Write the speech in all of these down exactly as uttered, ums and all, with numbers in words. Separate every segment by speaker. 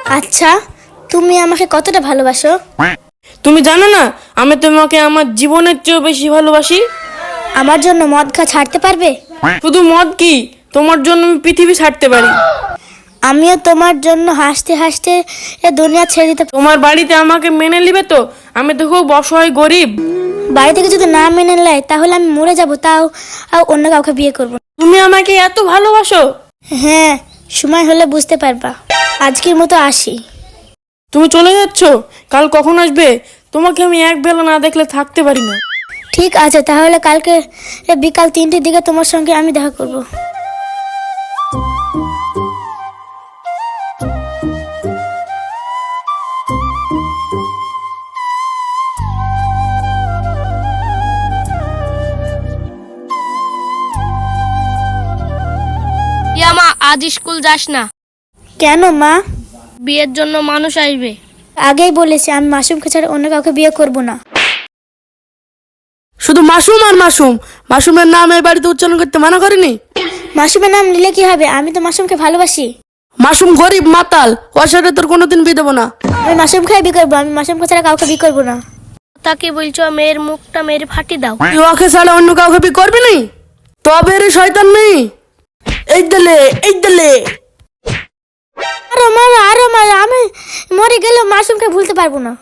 Speaker 1: আচ্ছা, তুমি আমাকে কতটা ভালোবাসো?
Speaker 2: তুমি জানো না আমি তোমাকে আমার জীবনের চেয়েও বেশি ভালোবাসি।
Speaker 1: আমার জন্য মদ খা ছাড়তে পারবে?
Speaker 2: শুধু মদ কি, তোমার জন্য আমি পৃথিবী ছাড়তে পারি।
Speaker 1: আমিও তোমার জন্য হাসতে হাসতে এ দুনিয়া ছেড়ে দিতে।
Speaker 2: তোমার বাড়িতে আমাকে মেনে নিবে তো? আমি তো খুব অসহায় গরিব।
Speaker 1: বাড়ি থেকে যদি না মেনে নেয় তাহলে আমি মরে যাব, তাও আর অন্য কাউকে বিয়ে করব।
Speaker 2: তুমি আমাকে এত ভালোবাসো?
Speaker 1: হ্যাঁ, সময় হলে বুঝতে পারবা। আজকের মতো আসি।
Speaker 2: তুমি চলে যাচ্ছ? কাল কখন আসবে? তোমাকে আমি এক বেলা না দেখলে থাকতে পারি না।
Speaker 1: ঠিক আছে, তাহলে কালকে বিকাল তিনটের দিকে তোমার সঙ্গে আমি দেখা করব।
Speaker 3: ইয়া মা, আজ স্কুল যাস না।
Speaker 1: কেন মা?
Speaker 3: বিয়ের জন্য মানুষ আসবে।
Speaker 1: আগেই বলেছি আমি মাসুমকে ছাড়া অন্য কাউকে বিয়ে করব না।
Speaker 2: শুধু মাসুম আর মাসুম, মাসুমের নাম এই বাড়িতে উচ্চারণ করতে মানা করেনি।
Speaker 1: মাসুমের নাম নিলে কি হবে? আমি তো মাসুমকে ভালোবাসি।
Speaker 2: মাসুম গরিব মাতাল, ওর সাথে তোর কোনোদিন বিয়ে দেবো না।
Speaker 1: আমি মাসুমকে বিয়ে করবো, আমি মাসুমকে ছাড়া কাউকে বিয়ে করবো না।
Speaker 3: তাকে বলছো মেয়ের মুখটা মেরে ফাটি দাও।
Speaker 2: তুই ওকে ছাড়া অন্য কাউকে বিয়ে করবি নি? তবে রে শয়তান মেয়ে, এই দিলে এই দিলে।
Speaker 1: আরো মারো, আরো মারো, আমি মরে গেলেও মাসুমকে ভুলতে পারবো না।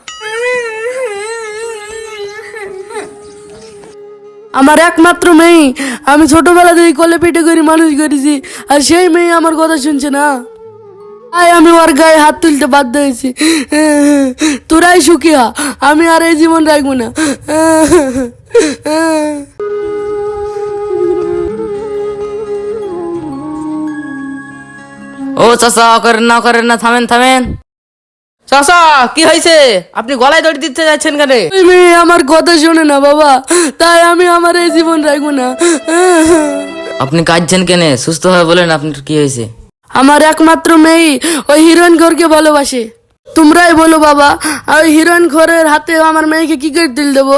Speaker 2: আমার একমাত্র মেয়ে, আমি ছোটবেলা থেকে কোলে পিঠে করে মানুষ করেছি, আর সেই মেয়ে আমার কথা শুনছে না। তাই আমি ওর গায়ে হাত তুলতে বাধ্য হয়েছি। তোরাই সুখী হ, আমি আর এই জীবন রাখবো না।
Speaker 4: ও চাচা, করেন না করেন না, থামেন থামেন। চাচা কি হয়েছে? আপনি গলায় দড়ি দিতে যাচ্ছেন কেন?
Speaker 2: ওই মেয়ে আমার কথা শোনে না বাবা, তাই আমি আমার এই জীবন রাখবো না।
Speaker 4: আপনি কাঁদছেন কেন? সুস্থ হয়ে বলেন আপনার কি হয়েছে।
Speaker 2: আমার একমাত্র মেয়ে ওই হিরোইন ঘরকে ভালোবাসে। তোমরাই বলো বাবা, ওই হিরোইন ঘরের হাতে আমার মেয়েকে কি করে তুলে দেবো?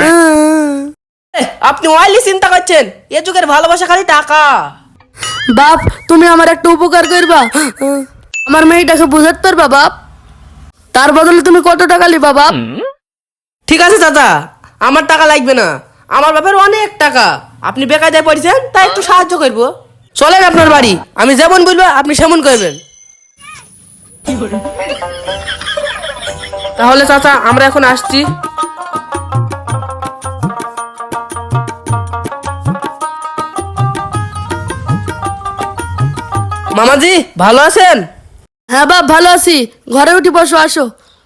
Speaker 5: আপনি ওয়াইলি চিন্তা করছেন? এ যুগের ভালোবাসা খালি টাকা।
Speaker 2: বাপ, তুমি আমার একটা উপকার করবা, আমার মেয়েটাকে বুঝাতে পারবা বাপ? তার বদলে তুমি কত টাকা লিবা বাপ?
Speaker 5: ঠিক আছে চাচা, আমার টাকা লাগবে না, আমার বাপের অনেক টাকা। আপনি বেকায়দায় পড়েছেন, তাই একটু সাহায্য করবো। চলেন আপনার বাড়ি, আমি যেমন বলবো আপনি সেমন করবেন। তাহলে চাচা আমরা এখন আসছি। মামাজি ভালো আছেন?
Speaker 2: হ্যাঁ বাপ, ভালো আছি। ঘরে উঠি বসো, আসো।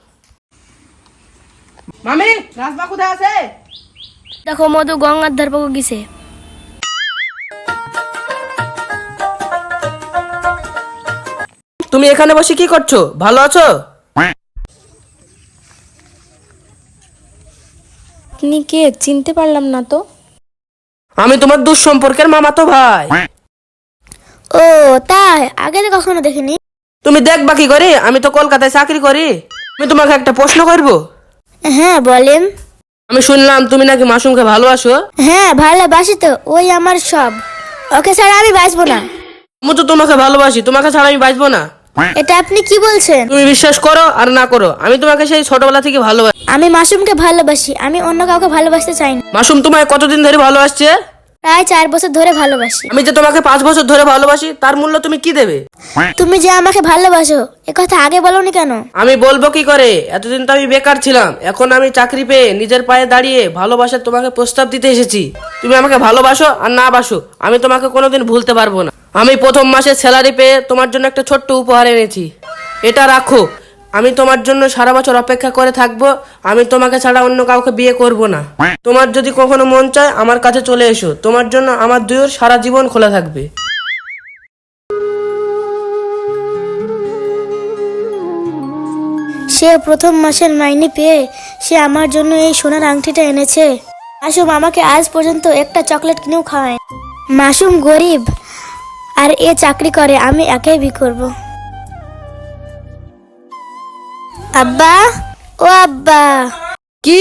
Speaker 5: মামি, রাজমা কোথায় আছে?
Speaker 3: দেখো মধু গঙ্গার ধার পাকে গেছে।
Speaker 5: তুমি এখানে বসে কি করছো? ভালো আছো?
Speaker 6: আপনি কে? চিনতে পারলাম না তো।
Speaker 5: আমি তোমার দুঃসম্পর্কের মামাতো ভাই।
Speaker 1: ও তাই, আগে তো কখনো দেখিনি।
Speaker 5: তুমি দেখবা কি করে? আমি তো কলকাতায় চাকরি করি। আমি তোমাকে একটা প্রশ্ন করব।
Speaker 1: হ্যাঁ বলেন।
Speaker 5: আমি শুনলাম তুমি নাকি মাসুমকে ভালোবাসো।
Speaker 1: হ্যাঁ ভালোবাসি তো, ওই আমার সব। ওকে ছাড়া আমি বাঁচবো না।
Speaker 5: আমি তো তোমাকে ভালোবাসি, তোমাকে ছাড়া আমি বাঁচবো না।
Speaker 1: এটা আপনি কি বলছেন?
Speaker 5: তুমি বিশ্বাস করো আর না করো, আমি তোমাকে সেই ছোটবেলা থেকে ভালোবাসি।
Speaker 1: আমি মাসুমকে ভালোবাসি, আমি অন্য কাউকে ভালোবাসতে চাই না।
Speaker 5: মাসুম তোমায় কতদিন ধরে ভালোবাসছে?
Speaker 1: প্রায় চার বছর ধরে ভালোবাসি।
Speaker 5: আমি যে তোমাকে পাঁচ বছর ধরে ভালোবাসি, তার মূল্য তুমি কি দেবে?
Speaker 1: তুমি যে আমাকে ভালোবাসো এ কথা আগে বলোনি কেন?
Speaker 5: আমি বলবো কি করে? এতদিন তো আমি বেকার ছিলাম, এখন আমি চাকরি পেয়ে নিজের পায়ে দাঁড়িয়ে ভালোবাসার তোমাকে প্রস্তাব দিতে এসেছি। তুমি আমাকে ভালোবাসো আর না বাসো, আমি তোমাকে কোনোদিন ভুলতে পারবো না। আমি প্রথম মাসে স্যালারি পেয়ে তোমার জন্য একটা ছোট্ট উপহার এনেছি, এটা রাখো। আমি তোমার জন্য সারা বছর অপেক্ষা করে থাকবো। আমি তোমাকে ছাড়া অন্য কাউকে বিয়ে করব না। তোমার যদি কখনো মন চায় আমার কাছে চলে এসো, তোমার জন্য আমার দুয়োর সারা জীবন খোলা থাকবে।
Speaker 1: সে প্রথম মাসের মাইনে পেয়ে সে আমার জন্য এই সোনার আংটিটা এনেছে। মাসুম আমাকে আজ পর্যন্ত একটা চকলেট কিনেও খাওয়ায়। মাসুম গরিব আর এ চাকরি করে, আমি একাই বিয়ে করব। আব্বা, ও আব্বা,
Speaker 2: কি?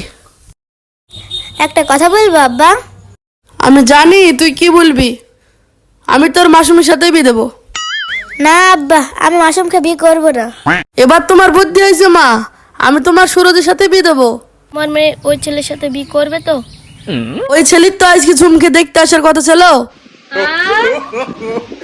Speaker 1: একটা কথা বলবো আব্বা?
Speaker 2: আমি জানি তুই কি বলবি। আমি তোর মাসুমের সাথেই বিয়ে দেবো।
Speaker 1: না আব্বা, আমি মাসুমকে বিয়ে করবো না।
Speaker 2: এবার তোমার বুদ্ধি হয়েছে মা, আমি তোমার সুরজের সাথে বিয়ে দেবো।
Speaker 3: আমার মেয়ে ওই ছেলের সাথে বিয়ে করবে তো?
Speaker 2: ওই ছেলের তো আজকে ঝুমকে দেখতে আসার কথা ছিল।